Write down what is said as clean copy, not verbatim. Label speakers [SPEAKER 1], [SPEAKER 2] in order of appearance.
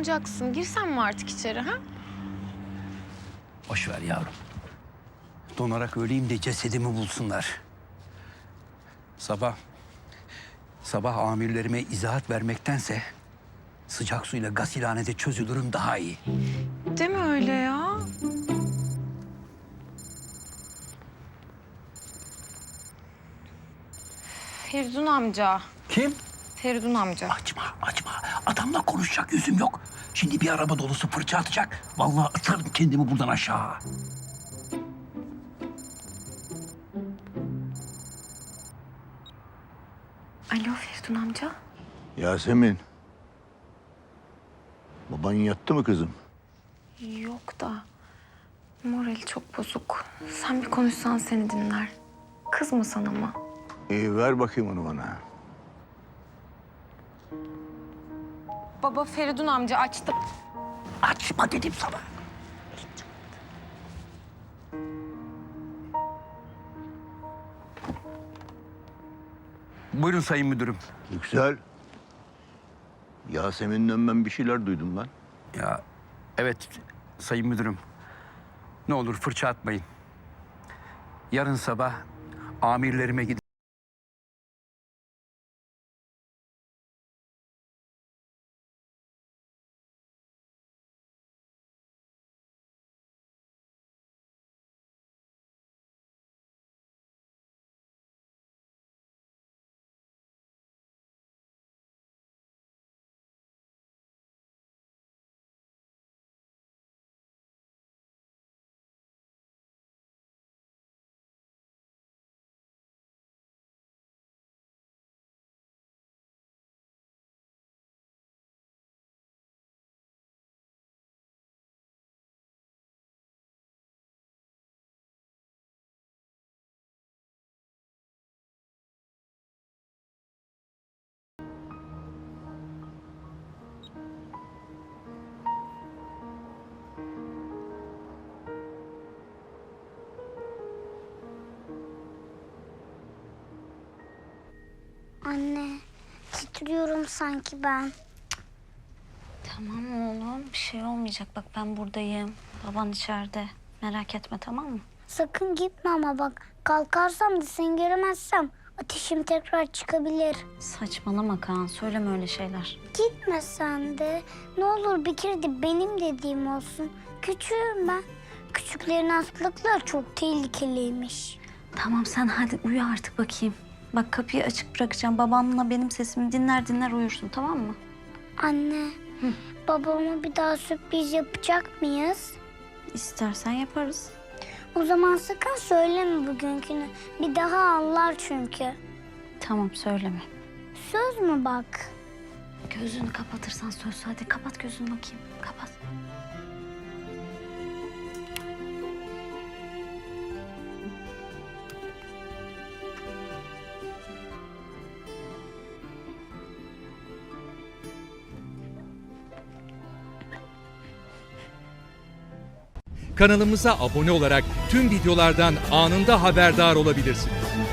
[SPEAKER 1] donacaksın. Girsen mi artık içeri ha?
[SPEAKER 2] Boş ver yavrum. Donarak öleyim de cesedimi bulsunlar. Sabah amirlerime izahat vermektense sıcak suyla gasilhanede çözülürüm daha iyi.
[SPEAKER 1] Deme öyle ya. Feridun amca.
[SPEAKER 2] Kim?
[SPEAKER 1] Feridun amca.
[SPEAKER 2] Açma. Adamla konuşacak yüzüm yok. Şimdi bir araba dolusu fırça atacak. Vallahi atarım kendimi buradan aşağı.
[SPEAKER 1] Alo Feridun amca.
[SPEAKER 3] Yasemin. Baban yattı mı kızım?
[SPEAKER 1] Yok da morali çok bozuk. Sen bir konuşsan seni dinler. Kızmasan ama.
[SPEAKER 3] İyi ver bakayım onu bana.
[SPEAKER 1] Baba Feridun amca açtı.
[SPEAKER 2] Açma dedim sana. Buyurun sayın müdürüm.
[SPEAKER 3] Yüksel. Yasemin'den ben bir şeyler duydum lan.
[SPEAKER 2] Ya evet sayın müdürüm. Ne olur fırça atmayın. Yarın sabah amirlerime gidin.
[SPEAKER 4] Anne, titriyorum sanki ben.
[SPEAKER 5] Tamam oğlum, bir şey olmayacak. Bak ben buradayım. Baban içeride. Merak etme, tamam mı?
[SPEAKER 4] Sakın gitme ama bak. Kalkarsam da seni göremezsem ateşim tekrar çıkabilir.
[SPEAKER 5] Saçmalama Kaan, söyleme öyle şeyler.
[SPEAKER 4] Gitme sen de. Ne olur bir kere de benim dediğim olsun. Küçüğüm ben. Küçüklerin hastalıkları çok tehlikeliymiş.
[SPEAKER 5] Tamam sen hadi uyu artık bakayım. Bak kapıyı açık bırakacağım. Babanla benim sesimi dinler uyursun, tamam mı?
[SPEAKER 4] Anne, babama bir daha sürpriz yapacak mıyız?
[SPEAKER 5] İstersen yaparız.
[SPEAKER 4] O zaman sakın söyleme bugünkünü. Bir daha anlar çünkü.
[SPEAKER 5] Tamam söyleme.
[SPEAKER 4] Söz mü bak?
[SPEAKER 5] Gözünü kapatırsan söz. Hadi kapat gözünü bakayım. Kapat.
[SPEAKER 6] Kanalımıza abone olarak tüm videolardan anında haberdar olabilirsiniz.